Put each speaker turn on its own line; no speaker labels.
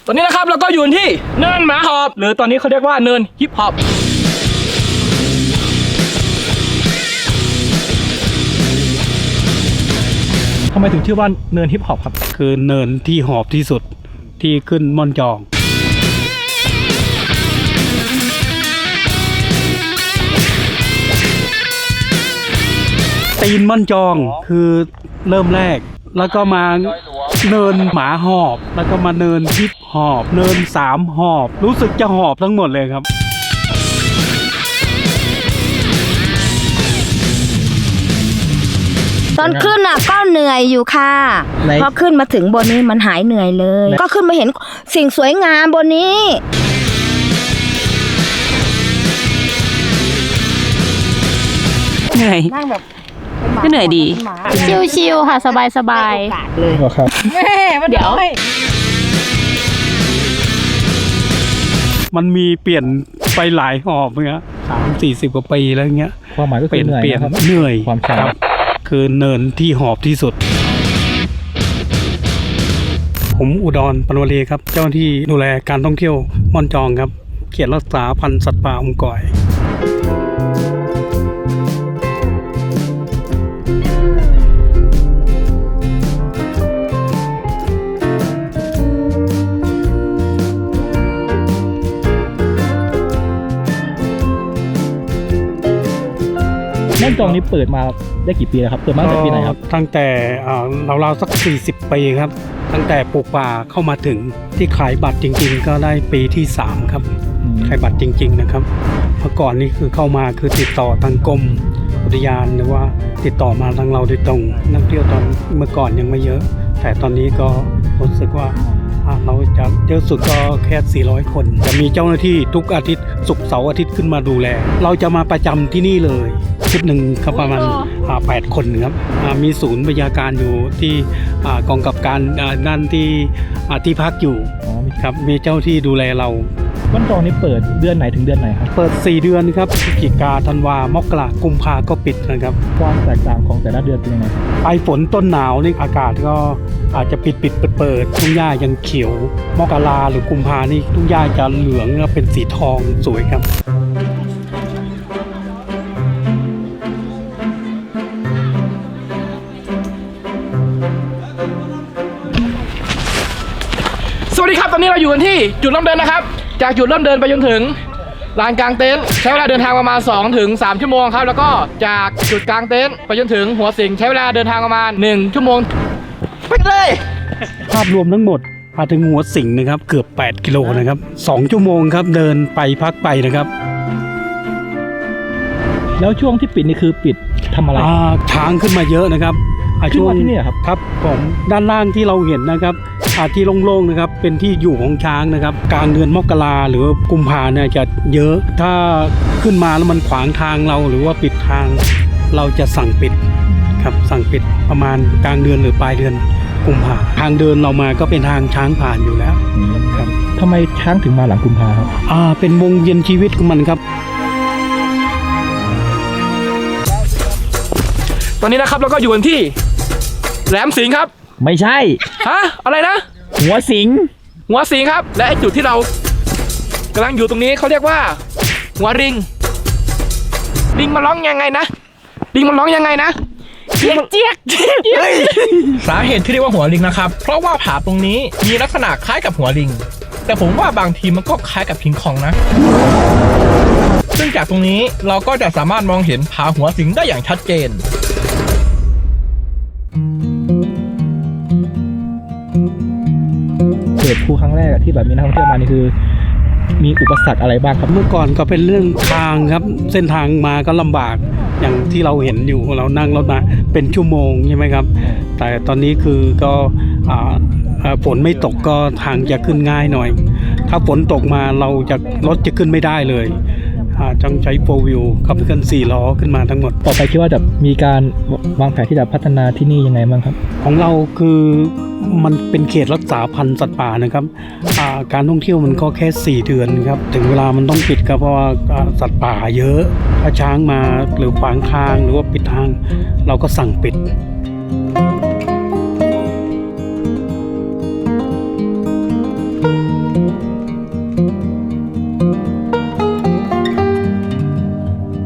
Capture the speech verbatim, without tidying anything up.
อนนี้นะครับเราก็อยู่ที่เนินหมาหอบหรือตอนนี้เขาเรียกว่าเนินฮิปฮอปทำไมถึงชื่อว่าเนินฮิปฮอปครับ
คือเนินที่หอบที่สุดที่ขึ้นม่อนจองตีนม่อนจองคือเริ่มแรกแล้วก็มาเนินหมาหอบแล้วก็มาเนินฮิปหอบเนินสามหอบรู้สึกจะหอบทั้งหมดเลยครับ
ตอนขึ้นอ่ะก็เหนื่อยอยู่ค่ะพอขึ้นมาถึงบนนี้มันหายเหนื่อยเลยก็ขึ้นมาเห็นสิ่งสวยงามบนนี้
เหนื่อยนั่งแบบก็เหนื่อยดีชิวๆค่ะสบายๆเลย
ครับ
แม่เดี๋ยว
มันมีเปลี่ยนไปหลายหอบเงี้ยสามสี่สิบกว่าปีแล้วเงี้ย
ความหมายก็คือเหนื่อยนะครับ
เหนื่อย
ความชัน
คือเนินที่หอบที่สุดผมอุดรปนวลีครับเจ้าหน้าที่ดูแลการท่องเที่ยวม่อนจองครับเขตรักษาพันธุ์สัตว์ป่าอมก่อย
ม่อนจองนี้เปิดมาได้กี่ปีแล้วครับเปิดมาตั้งแต่ปีไหนครับ
ตั้งแต่เราๆสักสี่สิบปีครับตั้งแต่ปลูกป่าเข้ามาถึงที่ขายบัตรจริงๆก็ได้ปีที่สามครับขายบัตรจริงๆนะครับเมื่อก่อนนี้คือเข้ามาคือติดต่อทางกรมอุทยานหรือว่าติดต่อมาทางเราโดยตรงนักเที่ยวตอนเมื่อก่อนยังไม่เยอะแต่ตอนนี้ก็รู้สึกว่าเราจะเยอะสุดก็แค่สี่ร้อยคนจะมีเจ้าหน้าที่ทุกอาทิตย์ศุกร์เสาร์อาทิตย์ขึ้นมาดูแลเราจะมาประจำที่นี่เลยชุดหนึ่งครับประมาณแปดคนครับมีศูนย์บรรยาการอยู่ที่กองกับการนั่นที่ที่พักอยู่ครับมีเจ้าที่ดูแลเรา
ม่อนจองนี้เปิดเดือนไหนถึงเดือนไหนครับ
เปิดสี่เดือนครับพฤศจิกาธันวามกรากุมภาก็ปิดนะครับ
ความแตกต่างของแต่ละเดือนเป็นยังไง
ปลายฝนต้นหนาวนี่อากาศก็อาจจะปิดปิดเปิดเปิดทุ่งหญ้ายังเขียวมกราหรือกุมภานี่ทุ่งหญ้าจะเหลืองแล้วเป็นสีทองสวยครับ
สวัสดีครับตอนนี้เราอยู่กันที่จุดเริ่มเดินนะครับจากจุดเริ่มเดินไปจนถึงลานกลางเต็นท์ใช้เวลาเดินทางประมาณ สองถึงสาม ชั่วโมงครับแล้วก็จากจุดกลางเต็นท์ไปจนถึงหัวสิงใช้เวลาเดินทางประมาณหนึ่งชั่วโมงไปเลย
ภาพรวมทั้งหมดมาถึงหัวสิงนะครับเกือบแปดกิโลนะครับสองชั่วโมงครับเดินไปพักไปนะครับ
แล้วช่วงที่ปิดนี่คือปิดทำอะไร
ช้างขึ้นมาเยอะนะครับ
ขึ้นมาที่นี่ครับ
ครับผมด้านล่างที่เราเห็นนะครับที่โล่งๆนะครับเป็นที่อยู่ของช้างนะครับกลางเดือนมกราหรือกุมภาเนี่ยจะเยอะถ้าขึ้นมาแล้วมันขวางทางเราหรือว่าปิดทางเราจะสั่งปิดครับสั่งปิดประมาณกลางเดือนหรือปลายเดือนกุมภาทางเดินเรามาก็เป็นทางช้างผ่านอยู่แล้ว
ครับทำไมช้างถึงมาหลังกุมภาครับ
อ่าเป็นวงเวียนชีวิตของมันครับ
ตอนนี้นะครับเราก็อยู่กันที่แหลมสิงห์ครับ
ไม่ใช่
ฮะอะไรนะ
หัวสิง
หัวสิงครับและไอจุดที่เรากำลังอยู่ตรงนี้เขาเรียกว่าหัวริงลิงมันร้องยังไงนะลิงมันร้องยังไงนะ
เจี๊ยกเจี๊ยกเจี๊ยก
สาเหตุที่เรียกว่าหัวลิงนะครับเพราะว่าผาตรงนี้มีลักษณะคล้ายกับหัวลิงแต่ผมว่าบางทีมันก็คล้ายกับคิงคองนะซึ่งจากตรงนี้เราก็จะสามารถมองเห็นผาหัวสิงได้อย่างชัดเจน
เปิดภูครั้งแรกที่แบบมีนักท่องเที่ยวมานี่คือมีอุปสรรคอะไรบ้างครับ
เมื่อก่อนก็เป็นเรื่องทางครับเส้นทางมาก็ลำบากอย่างที่เราเห็นอยู่เรานั่งรถมาเป็นชั่วโมงใช่ไหมครับแต่ตอนนี้คือก็ฝนไม่ตกก็ทางจะขึ้นง่ายหน่อยถ้าฝนตกมาเราจะรถจะขึ้นไม่ได้เลยต้องใช้โฟร์วิวขับเคลื่อนสี่ล้อขึ้นมาทั้งหมด
ต่อไปคิดว่าจะมีการวางแผนที่จะพัฒนาที่นี่ยังไงบ้างครับ
ของเราคือมันเป็นเขตรักษาพันธุ์สัตว์ป่านะครับการท่องเที่ยวมันก็แค่สี่เดือนครับถึงเวลามันต้องปิดครับเพราะว่าสัตว์ป่าเยอะถ้าช้างมาหรือขวางทางหรือว่าปิดทางเราก็สั่งปิด
เ